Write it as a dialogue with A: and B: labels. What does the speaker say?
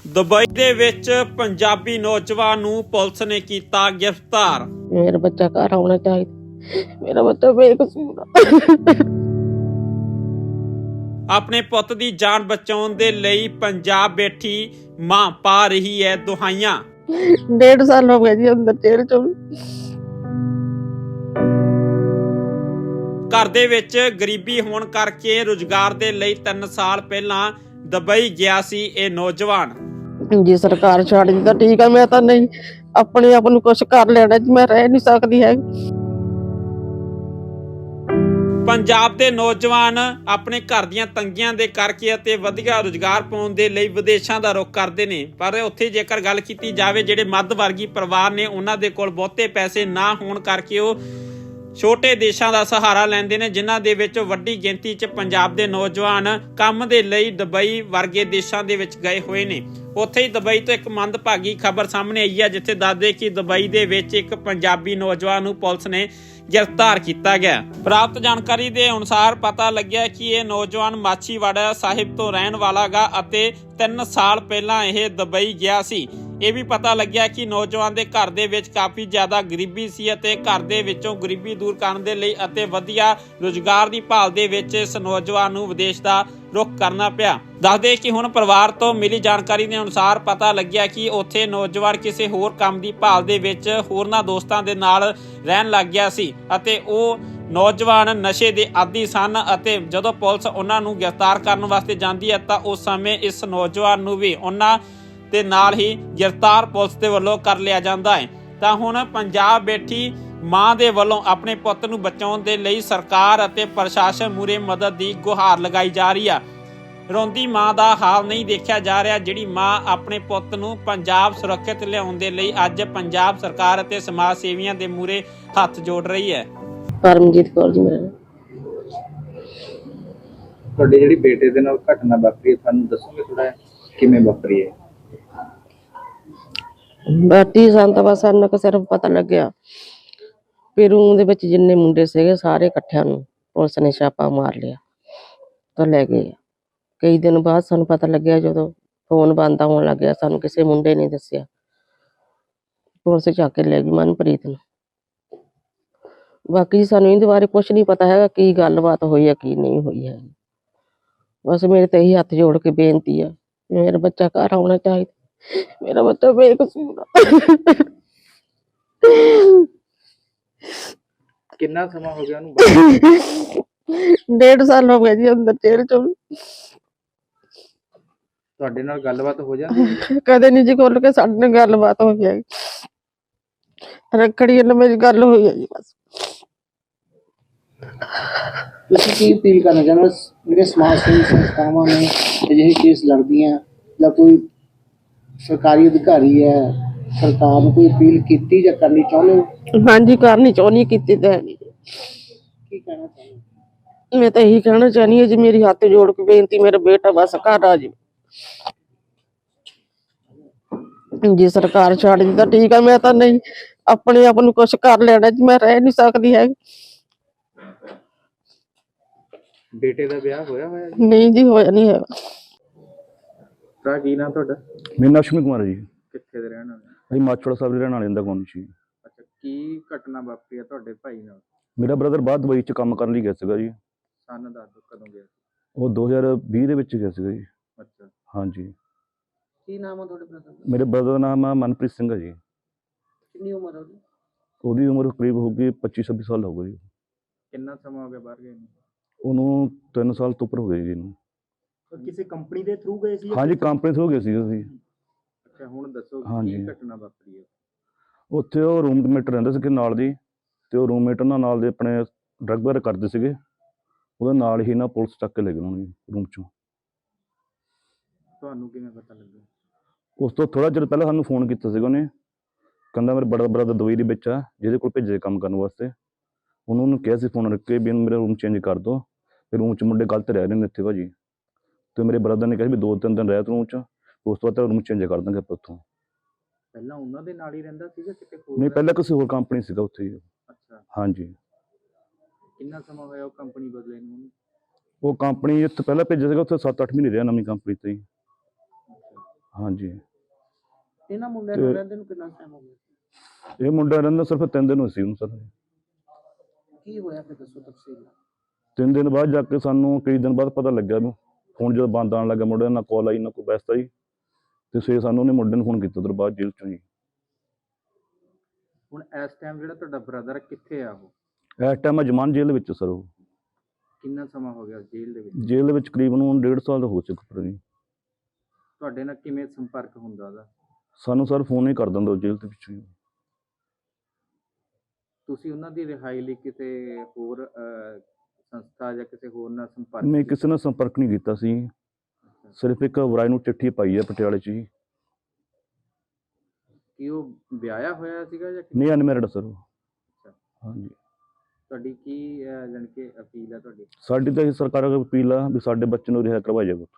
A: Dubai ਦੇ ਵਿੱਚ ਪੰਜਾਬੀ ਨੌਜਵਾਨ ਨੂੰ ਪੁਲਿਸ ਨੇ ਕੀਤਾ ਗ੍ਰਿਫਤਾਰ।
B: मेरा बच्चा घर आना चाहिए, मेरा बच्चा बेकसूर है।
A: ਆਪਣੇ ਪੁੱਤ ਦੀ ਜਾਨ ਬਚਾਉਣ ਦੇ ਲਈ ਪੰਜਾਬ ਬੈਠੀ ਮਾਂ ਪਾ ਰਹੀ ਹੈ ਦੁਹਾਈਆਂ।
B: 1.5 साल हो गए जी अंदर जेल च।
A: ਘਰ ਦੇ ਵਿੱਚ ਗਰੀਬੀ ਹੋਣ ਕਰਕੇ ਰੁਜ਼ਗਾਰ ਦੇ ਲਈ 3 ਸਾਲ ਪਹਿਲਾਂ ਦੁਬਈ ਗਿਆ ਸੀ ਇਹ ਨੌਜਵਾਨ।
B: जी सरकार छड़ दी तो ठीक है, मैं तो नहीं अपने आप ਨੂੰ कुछ कर लेना जी, मैं रह नहीं सकती है।
A: ਪੰਜਾਬ ਦੇ ਨੌਜਵਾਨ ਆਪਣੇ ਘਰ ਦੀਆਂ ਤੰਗੀਆਂ ਦੇ ਕਰਕੇ ਅਤੇ ਵਧੀਆ ਰੁਜ਼ਗਾਰ ਪਾਉਣ ਦੇ ਲਈ ਵਿਦੇਸ਼ਾਂ ਦਾ ਰੁਖ ਕਰਦੇ ਨੇ, ਪਰ ਉੱਥੇ ਜੇਕਰ ਗੱਲ ਕੀਤੀ ਜਾਵੇ ਜਿਹੜੇ ਮੱਧ ਵਰਗੀ ਪਰਿਵਾਰ ਨੇ ਉਹਨਾਂ ਦੇ ਕੋਲ ਬਹੁਤੇ ਪੈਸੇ ਨਾ ਹੋਣ ਕਰਕੇ ਉਹ ਛੋਟੇ ਦੇਸ਼ਾਂ ਦਾ ਸਹਾਰਾ ਲੈਂਦੇ ਨੇ, ਜਿਨ੍ਹਾਂ ਦੇ ਵਿੱਚ ਵੱਡੀ ਗਿਣਤੀ 'ਚ ਪੰਜਾਬ ਦੇ ਨੌਜਵਾਨ ਕੰਮ ਦੇ ਲਈ ਦੁਬਈ ਵਰਗੇ ਦੇਸ਼ਾਂ ਦੇ ਵਿੱਚ ਗਏ ਹੋਏ ਨੇ। ਉੱਥੇ ਹੀ ਦੁਬਈ ਤੋਂ ਇੱਕ ਮੰਦਭਾਗੀ ਖਬਰ ਸਾਹਮਣੇ ਆਈ ਹੈ, ਜਿੱਥੇ ਦੱਸਦੇ ਕਿ ਦੁਬਈ ਦੇ ਵਿੱਚ ਇੱਕ ਪੰਜਾਬੀ ਨੌਜਵਾਨ ਨੂੰ ਪੁਲਿਸ ਨੇ ਗ੍ਰਿਫਤਾਰ ਕੀਤਾ ਗਿਆ। ਪ੍ਰਾਪਤ ਜਾਣਕਾਰੀ ਦੇ ਅਨੁਸਾਰ ਪਤਾ ਲੱਗਿਆ ਕਿ ਇਹ ਨੌਜਵਾਨ ਮਾਛੀਵਾੜਾ ਸਾਹਿਬ ਤੋਂ ਰਹਿਣ ਵਾਲਾ ਗਾ ਅਤੇ 3 ਸਾਲ ਪਹਿਲਾਂ ਇਹ ਦੁਬਈ ਗਿਆ ਸੀ। ਇਹ ਵੀ ਪਤਾ ਲੱਗਿਆ ਕਿ ਨੌਜਵਾਨ ਦੇ ਘਰ ਦੇ ਵਿੱਚ ਕਾਫੀ ਜ਼ਿਆਦਾ ਗਰੀਬੀ ਸੀ ਅਤੇ ਘਰ ਦੇ ਵਿੱਚੋਂ ਗਰੀਬੀ ਦੂਰ ਕਰਨ ਦੇ ਲਈ ਅਤੇ ਵਧੀਆ ਰੁਜ਼ਗਾਰ ਦੀ ਭਾਲ ਦੇ ਵਿੱਚ ਇਸ ਨੌਜਵਾਨ ਨੂੰ ਵਿਦੇਸ਼ ਦਾ ਰੁਖ ਕਰਨਾ ਪਿਆ। ਦੱਸਦੇ ਕਿ ਹੁਣ ਪਰਿਵਾਰ ਤੋਂ ਮਿਲੀ ਜਾਣਕਾਰੀ ਦੇ ਅਨੁਸਾਰ ਪਤਾ ਲੱਗਿਆ ਕਿ ਉੱਥੇ ਨੌਜਵਾਨ ਕਿਸੇ ਹੋਰ ਕੰਮ ਦੀ ਭਾਲ ਦੇ ਵਿੱਚ ਹੋਰਨਾਂ ਦੋਸਤਾਂ ਦੇ ਨਾਲ ਰਹਿਣ ਲੱਗ ਗਿਆ ਸੀ ਅਤੇ ਉਹ ਨੌਜਵਾਨ ਨਸ਼ੇ ਦੇ ਆਦੀ ਸਨ ਅਤੇ ਜਦੋਂ ਪੁਲਿਸ ਉਹਨਾਂ ਨੂੰ ਗ੍ਰਿਫਤਾਰ ਕਰਨ ਵਾਸਤੇ ਜਾਂਦੀ ਹੈ ਤਾਂ ਉਸ ਸਮੇਂ ਇਸ ਨੌਜਵਾਨ ਨੂੰ ਵੀ ਉਹਨਾਂ ਦੇ ਨਾਲ ਹੀ ਗ੍ਰਿਫਤਾਰ ਪੁਲਿਸ ਦੇ ਵੱਲੋਂ ਕਰ ਲਿਆ ਜਾਂਦਾ ਹੈ। ਤਾਂ ਹੁਣ ਪੰਜਾਬ ਬੈਠੀ ਮਾਂ ਦੇ ਵੱਲੋਂ ਆਪਣੇ ਪੁੱਤ ਨੂੰ ਬਚਾਉਣ ਦੇ ਲਈ ਸਰਕਾਰ ਅਤੇ ਪ੍ਰਸ਼ਾਸਨ ਮੂਹਰੇ ਮਦਦ ਦੀ ਗੁਹਾਰ ਲਗਾਈ ਜਾ ਰਹੀ ਆ। ਰੋਂਦੀ ਮਾਂ ਦਾ ਹਾਲ ਨਹੀਂ ਦੇਖਿਆ ਜਾ ਰਿਹਾ, ਜਿਹੜੀ ਮਾਂ ਆਪਣੇ ਪੁੱਤ ਨੂੰ ਪੰਜਾਬ ਸੁਰੱਖਿਅਤ ਲਿਆਉਣ ਦੇ ਲਈ ਅੱਜ ਪੰਜਾਬ ਸਰਕਾਰ ਅਤੇ ਸਮਾਜ ਸੇਵੀਆਂ ਦੇ ਮੂਹਰੇ ਹੱਥ ਜੋੜ ਰਹੀ ਹੈ।
B: परमजीत कौर जी मेरा।
C: ਤੁਹਾਡੇ ਜਿਹੜੀ ਬੇਟੇ ਦੇ ਨਾਲ ਘਟਨਾ ਵਾਪਰੀ ਹੈ, ਤੁਹਾਨੂੰ ਦੱਸੋਗੇ ਥੋੜਾ ਕਿਵੇਂ ਵਾਪਰੀ ਹੈ?
B: ਬਾਟੀ ਸੰਤ ਬਸ ਸਾਨੂੰ ਕਿ ਸਿਰਫ ਪਤਾ ਲੱਗਿਆ ਵੀ ਰੂਮ ਦੇ ਵਿੱਚ ਜਿੰਨੇ ਮੁੰਡੇ ਸੀਗੇ ਸਾਰੇ ਇਕੱਠਿਆਂ ਨੂੰ ਪੁਲਿਸ ਨੇ ਛਾਪਾ ਮਾਰ ਲਿਆ ਤਾਂ ਲੈ ਗਏ। ਕਈ ਦਿਨ ਬਾਅਦ ਸਾਨੂੰ ਪਤਾ ਲੱਗਿਆ ਜਦੋਂ ਫੋਨ ਬੰਦ ਆਉਣ ਲੱਗਿਆ, ਸਾਨੂੰ ਕਿਸੇ ਮੁੰਡੇ ਨੇ ਦੱਸਿਆ, ਪੁਲਿਸ ਚੱਕ ਕੇ ਲੈ ਗਈ ਮਨਪ੍ਰੀਤ ਨੂੰ। ਬਾਕੀ ਸਾਨੂੰ ਇਹਦੇ ਬਾਰੇ ਕੁਛ ਨਹੀਂ ਪਤਾ ਹੈਗਾ ਕੀ ਗੱਲਬਾਤ ਹੋਈ ਹੈ ਕੀ ਨਹੀਂ ਹੋਈ ਹੈ। ਬਸ ਮੇਰੇ ਤੇ ਇਹੀ ਹੱਥ ਜੋੜ ਕੇ ਬੇਨਤੀ ਆ, ਮੇਰਾ ਬੱਚਾ ਘਰ ਆਉਣਾ ਚਾਹੀਦਾ, ਮੇਰਾ ਬੱਚਾ ਬੇਕਸੂਰ ਆ।
C: ਕਿੰਨਾ ਸਮਾਂ ਹੋ ਗਿਆ ਉਹਨੂੰ ਬਾਹਰ?
B: 1.5 साल हो गए जी अंदर जेल च।
C: ਤੁਹਾਡੇ ਨਾਲ ਗੱਲਬਾਤ ਹੋ ਜਾਂਦੀ ਹੈ?
B: ਕਦੇ ਨਹੀਂ ਜੀ ਖੁੱਲ ਕੇ ਸਾਡੇ ਨਾਲ ਗੱਲਬਾਤ ਹੋਈ ਹੈ। ਰੱਖੜੀ ਨਾਲ ਮੇਰੀ ਗੱਲ ਹੋਈ ਹੈ ਜੀ ਬਸ।
D: ਤੁਸੀਂ ਕੀ ਅਪੀਲ ਕਰਨਾ ਚਾਹੁੰਦੇ ਹੋ ਜਿਹੜੇ ਸਮਾਜ ਸੇਵੀ ਸੰਸਥਾਵਾਂ ਨੇ ਅਜਿਹੇ ਕੇਸ ਲੜਦੀਆਂ ਜਾਂ ਕੋਈ ਸਰਕਾਰੀ ਅਧਿਕਾਰੀ ਹੈ, ਸਰਕਾਰ ਨੂੰ ਕੋਈ ਅਪੀਲ ਕੀਤੀ ਜਾਂ ਕਰਨੀ ਚਾਹੁੰਦੇ ਹੋ?
B: ਹਾਂਜੀ ਕਰਨੀ ਚਾਹੁੰਦੀ, ਕੀਤੀ ਤਾਂ ਹੈ ਨਹੀਂ।
D: ਕੀ ਕਹਿਣਾ ਚਾਹੁੰਦੇ ਹੋ?
B: ਮੈਂ ਤਾਂ ਇਹੀ ਕਹਿਣਾ ਚਾਹੁੰਦੀ ਹਾਂ ਜੀ, ਮੇਰੀ ਹੱਥ ਜੋੜ ਕੇ ਬੇਨਤੀ, ਮੇਰਾ ਬੇਟਾ ਬਸ ਘਰ ਆ ਜਾਵੇ। ਜੀ ਸਰਕਾਰ ਛੱਡ ਦੀ ਤਾਂ ਠੀਕ ਹੈ, ਮੈਂ ਤਾਂ ਨਹੀਂ ਆਪਣੇ ਆਪ ਨੂੰ ਕੁਛ ਕਰ ਲੈਣਾ ਜੀ, ਮੈਂ ਰਹਿ ਨਹੀਂ ਸਕਦੀ ਹੈ।
C: ਬੇਟੇ ਦਾ ਵਿਆਹ ਹੋਇਆ ਹੋਇਆ ਜੀ?
B: ਨਹੀਂ ਜੀ ਹੋਇਆ ਨਹੀਂ ਹੈਗਾ।
C: ਤਾਂ ਕੀ ਨਾਮ ਤੁਹਾਡਾ?
E: ਮੇਰਾ ਨਾਮ ਅਸ਼ਵਨੀ ਕੁਮਾਰ ਹੈ ਜੀ।
C: ਕਿੱਥੇ ਦੇ ਰਹਿਣ ਵਾਲੇ?
E: ਅਸੀਂ ਮਾਛੋੜਾ ਸਾਹਿਬ ਦੇ ਰਹਿਣ ਵਾਲੇ ਦਾ ਕੌਣ ਸੀ।
C: ਅੱਛਾ, ਕੀ ਘਟਨਾ ਵਾਪਰੀ ਹੈ ਤੁਹਾਡੇ ਭਾਈ ਨਾਲ?
E: ਮੇਰਾ ਬ੍ਰਦਰ ਬਾਹਰ ਦੁਬਈ 'ਚ ਕੰਮ ਕਰਨ ਲਈ ਗਿਆ ਸੀਗਾ ਜੀ।
C: ਸਨ ਦੱਸ ਦਿਓ ਕਦੋਂ ਗਿਆ ਸੀ?
E: ਉਹ 2020 ਦੇ ਵਿੱਚ ਗਿਆ ਸੀਗਾ ਜੀ।
C: ਅੱਛਾ,
E: ਹਾਂਜੀ।
D: ਕੀ ਨਾਮ ਹੈ ਤੁਹਾਡੇ ਬ੍ਰਦਰ ਦਾ?
E: ਮੇਰੇ ਬ੍ਰਦਰ ਦਾ ਨਾਮ ਆ ਮਨਪ੍ਰੀਤ ਸਿੰਘ ਹੈ ਜੀ।
D: ਕਿੰਨੀ ਉਮਰ ਹੈ ਉਹਦੀ?
E: ਉਹਦੀ ਉਮਰ ਕਰੀਬ ਹੋਊਗੀ 25-26 ਸਾਲ ਹੋਊਗੀ ਜੀ।
C: ਕਿੰਨਾ ਸਮਾਂ ਹੋ ਗਿਆ ਬਾਹਰ ਗਏ ਨੂੰ?
E: ਉਹਨੂੰ 3 ਸਾਲ ਤੋਂ ਉੱਪਰ ਹੋ ਗਏ ਜੀ ਇਹਨੂੰ।
D: ਕਿਸੇ ਕੰਪਨੀ ਦੇ ਥਰੂ ਗਏ ਸੀ?
E: ਹਾਂਜੀ ਕੰਪਨੀ ਤੋਂ ਹੋ ਗਏ ਸੀ ਅਸੀਂ।
C: ਅੱਛਾ, ਹੁਣ ਦੱਸੋ
E: ਹਾਂਜੀ।
C: ਕੀ ਘਟਨਾ ਵਾਪਰੀ ਹੈ?
E: ਉੱਥੇ ਉਹ ਰੂਮਮੇਟ ਰਹਿੰਦੇ ਸੀਗੇ ਨਾਲ ਦੀ, ਤੇ ਉਹ ਰੂਮਮੇਟ ਉਹਨਾਂ ਨਾਲ ਦੇ ਆਪਣੇ ਡਰੱਗ ਵਗੈਰਾ ਕਰਦੇ ਸੀਗੇ, ਉਹਦੇ ਨਾਲ ਹੀ ਨਾ ਪੁਲਿਸ ਚੱਕ ਕੇ ਲੈ ਗਈ ਉਹਨਾਂ ਨੂੰ ਰੂਮ 'ਚੋਂ।
C: ਤੁਹਾਨੂੰ ਕਿਵੇਂ ਪਤਾ ਲੱਗਿਆ?
E: ਉਸ ਤੋਂ ਥੋੜ੍ਹਾ ਚਿਰ ਪਹਿਲਾਂ ਸਾਨੂੰ ਫੋਨ ਕੀਤਾ ਸੀਗਾ ਉਹਨੇ, ਕਹਿੰਦਾ ਮੇਰੇ ਬੜਾ ਬ੍ਰਦਰ ਦੁਬਈ ਦੇ ਵਿੱਚ ਆ, ਜਿਹਦੇ ਕੋਲ ਭੇਜੇ ਕੰਮ ਕਰਨ ਵਾਸਤੇ। ਉਹਨੂੰ ਕਿਹਾ ਸੀ ਫੋਨ ਰੱਖ ਕੇ ਵੀ ਇਹਨੂੰ ਮੇਰਾ ਰੂਮ ਚੇਂਜ ਕਰ ਦਿਓ, ਫਿਰ ਰੂਮ 'ਚ ਮੁੰਡੇ ਗਲਤ ਰਹਿ ਰਹੇ ਨੇ ਇੱਥੇ ਭਾਜੀ। ਅਤੇ ਮੇਰੇ ਬ੍ਰਦਰ ਨੇ ਕਿਹਾ ਵੀ 2-3 ਦਿਨ ਰਹਿ ਤੂੰ ਰੂਮ 'ਚ, ਉਸ ਤੋਂ ਬਾਅਦ ਰੂਮ ਚੇਂਜ ਕਰ ਦਾਂਗੇ ਆਪਾਂ ਉੱਥੋਂ।
C: ਪਹਿਲਾਂ ਉਹਨਾਂ ਦੇ ਨਾਲ ਹੀ ਰਹਿੰਦਾ ਸੀਗਾ ਕਿਤੇ ਹੋਰ?
E: ਨਹੀਂ ਪਹਿਲਾਂ ਕਿਸੇ ਹੋਰ ਕੰਪਨੀ ਸੀਗਾ ਉੱਥੇ ਹੀ।
C: ਅੱਛਾ,
E: ਹਾਂਜੀ।
C: ਕਿੰਨਾ ਸਮਾਂ ਹੋਇਆ ਉਹ ਕੰਪਨੀ ਬਦਲੇ ਨੂੰ?
E: ਉਹ ਕੰਪਨੀ ਇੱਥੇ ਪਹਿਲਾਂ ਭੇਜਿਆ ਸੀਗਾ, ਉੱਥੇ 7-8 ਮਹੀਨੇ ਰਿਹਾ ਨਵੀਂ ਕੰਪਨੀ 'ਤੇ ਹੀ। ਹਾਂਜੀ।
D: ਇਹਨਾਂ ਮੁੰਡਿਆਂ ਨੂੰ ਰਹਿੰਦੇ ਨੂੰ ਕਿੰਨਾ ਟਾਈਮ ਹੋ ਗਿਆ?
E: ਇਹ ਮੁੰਡਾ ਰਹਿੰਦਾ ਸਿਰਫ 3 ਦਿਨ ਹੋਏ ਸੀ ਉਹਨੂੰ ਸਰ।
D: ਕੀ ਹੋਇਆ ਫਿਰ ਦੱਸੋ ਤਫਸੀਲ ਨਾਲ।
E: 3 ਦਿਨ ਬਾਅਦ ਜਾ ਕੇ ਸਾਨੂੰ ਕਈ ਦਿਨ ਬਾਅਦ ਪਤਾ ਲੱਗਿਆ ਨੂੰ ਫੋਨ ਜਦੋਂ ਬੰਦ ਆਉਣ ਲੱਗਾ ਮੁੰਡੇ ਨਾਲ ਕਾਲ ਆਈ ਨਾ ਕੋਈ ਬੈਸਤ ਆਈ ਤੇ ਫਿਰ ਸਾਨੂੰ ਉਹਨੇ ਮੁੰਡੇ ਨੂੰ ਫੋਨ ਕੀਤਾ ਉਧਰ ਬਾਅਦ ਜੇਲ੍ਹ ਚੋਂ ਜੀ।
C: ਹੁਣ ਇਸ ਟਾਈਮ ਜਿਹੜਾ ਤੁਹਾਡਾ ਬ੍ਰਦਰ ਕਿੱਥੇ ਆ ਉਹ?
E: ਇਸ ਟਾਈਮ ਅਜਮਾਨ ਜੇਲ੍ਹ ਵਿੱਚ ਸਰ ਉਹ।
C: ਕਿੰਨਾ ਸਮਾਂ ਹੋ ਗਿਆ ਜੇਲ੍ਹ ਦੇ ਵਿੱਚ?
E: ਜੇਲ੍ਹ ਦੇ ਵਿੱਚ ਕਰੀਬਨ 1.5 ਸਾਲ ਹੋ ਚੁੱਕਾ ਜੀ।
C: ਤੁਹਾਡੇ ਨਾਲ ਕਿਵੇਂ ਸੰਪਰਕ ਹੁੰਦਾ ਉਹਦਾ?
E: ਸਾਨੂੰ ਸਰ ਫੋਨ ਹੀ ਕਰ ਦਿੰਦਾ ਉਹ ਜੇਲ੍ਹ ਦੇ ਵਿੱਚੋਂ ਹੀ।
C: ਤੁਸੀਂ ਉਹਨਾਂ ਦੀ ਰਿਹਾਈ ਲਈ ਕਿਸੇ ਹੋਰ ਸੰਸਥਾ ਜਾਂ ਕਿਸੇ ਹੋਰ ਨਾਲ ਸੰਪਰਕ
E: ਮੈਂ
C: ਕੀਤਾ?
E: ਕਿਸੇ ਨਾਲ ਸੰਪਰਕ ਨਹੀਂ ਕੀਤਾ ਸੀ, ਸਿਰਫ ਇੱਕ ਵਰਾਏ ਨੂੰ ਚਿੱਠੀ ਪਾਈ ਹੈ ਪਟਿਆਲੇ 'ਚ ਜੀ।
C: ਕੀ ਉਹ ਵਿਆਹਿਆ ਹੋਇਆ ਸੀਗਾ ਜਾਂ
E: ਨਹੀਂ ਅਨਮੈਰਿਡ ਸਰ ਉਹ।
C: ਅੱਛਾ।
E: ਹਾਂਜੀ।
C: ਤੁਹਾਡੀ ਕੀ ਜਾਣੀ ਕਿ ਅਪੀਲ ਹੈ ਤੁਹਾਡੀ?
E: ਸਾਡੀ ਤਾਂ ਇਹ ਸਰਕਾਰ ਅੱਗੇ ਅਪੀਲ ਆ ਵੀ ਸਾਡੇ ਬੱਚੇ ਨੂੰ ਰਿਹਾ ਕਰਵਾਇਆ ਜਾਵੇ।